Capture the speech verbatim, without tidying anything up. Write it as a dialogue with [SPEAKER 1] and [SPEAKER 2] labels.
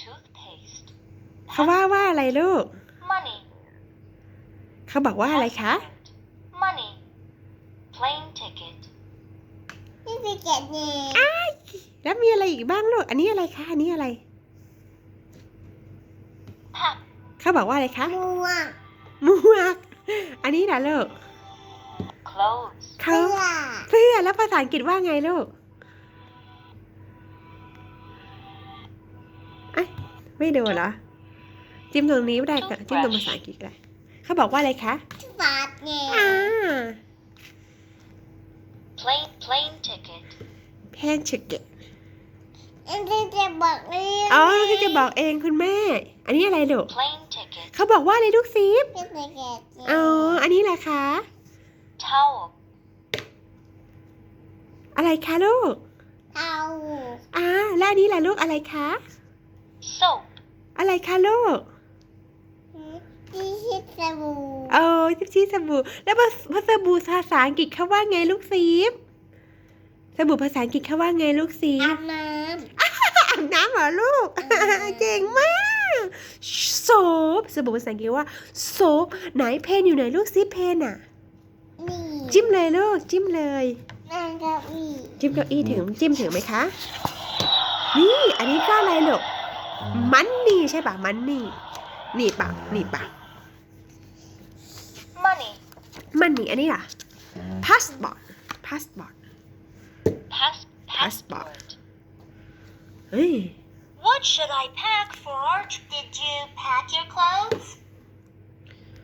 [SPEAKER 1] toothpaste
[SPEAKER 2] เขาว่าว่าอะไรลูก
[SPEAKER 1] money
[SPEAKER 2] เขาบอกว่าอะไรคะ
[SPEAKER 1] passport money plane ticket
[SPEAKER 3] นี่คือเจ็ดเนี่ย
[SPEAKER 2] แล้วมีอะไรอีกบ้างลูก อันนี้อะไรคะ อันนี้อะไร
[SPEAKER 1] hat
[SPEAKER 2] เขาบอกว่าอะไรคะ
[SPEAKER 3] ม่วง
[SPEAKER 2] หมวก อันนี้นะลูก
[SPEAKER 1] clothes
[SPEAKER 2] เขา
[SPEAKER 3] เสื้อ
[SPEAKER 2] เสื้อแล้วภาษาอังกฤษว่าไงลูกเอ้ยไม่ดูเหรอ จิ้มตรงนี้ไม่ได้ก็จิ้มตรงภาษาอังกฤษก็ได้เขาบอกว่าอะไรคะ
[SPEAKER 3] บาทเนี่ย
[SPEAKER 2] อ่า
[SPEAKER 1] plane plane ticket
[SPEAKER 2] แพนชิกเก็ต
[SPEAKER 3] อันที่จะบอกเรื่อง
[SPEAKER 2] อ๋อที่จะบอกเองคุณแม่ อันนี้อะไรลูก
[SPEAKER 1] plane ticket
[SPEAKER 2] เขาบอกว่าอะไรลูกซีฟ
[SPEAKER 3] ที่จะเจ็ดเนี่ย
[SPEAKER 2] อ๋อ อันนี้แหละคะ
[SPEAKER 1] towel
[SPEAKER 2] อะไรคะลูก
[SPEAKER 3] เอา
[SPEAKER 2] อ่าแล้วอันนี้แหละลูกอะไรคะ
[SPEAKER 1] soap
[SPEAKER 2] อะไรคะลูก
[SPEAKER 3] ที่ชิดสบู่
[SPEAKER 2] เออทิปชีสบู่แล้วภาสบู่ภาษาอังกฤษเขาว่าไงลูกซีฟสบู่ภาษาอังกฤษเขาว่าไงลูกซี
[SPEAKER 3] อา
[SPEAKER 2] ฟ
[SPEAKER 3] บน้
[SPEAKER 2] อาบน้ำเหรอลูก เก่งมากโซฟสบู่ภาษาอังกฤษว่าโซฟไหนเพนอยู่ไหนลูกซีเพนอ่ะ
[SPEAKER 3] ำนี่
[SPEAKER 2] จิ้มเลยลูกจิ้มเลย
[SPEAKER 3] นั่งเก้าอี้
[SPEAKER 2] จิ้มเก้าอี้ถึงจิ้มถึงไหมคะ นี่อันนี้ก็อะไรลูกมันนี่ใช่ป่ะมันนี่นี่ป่ะนี่ป่ะ
[SPEAKER 1] money
[SPEAKER 2] มันนี่อันนี้ล่ะ passport passport
[SPEAKER 1] pass
[SPEAKER 2] Passport
[SPEAKER 1] passport
[SPEAKER 2] เฮ้ย
[SPEAKER 1] What should I pack for our trip? Did you pack your clothes?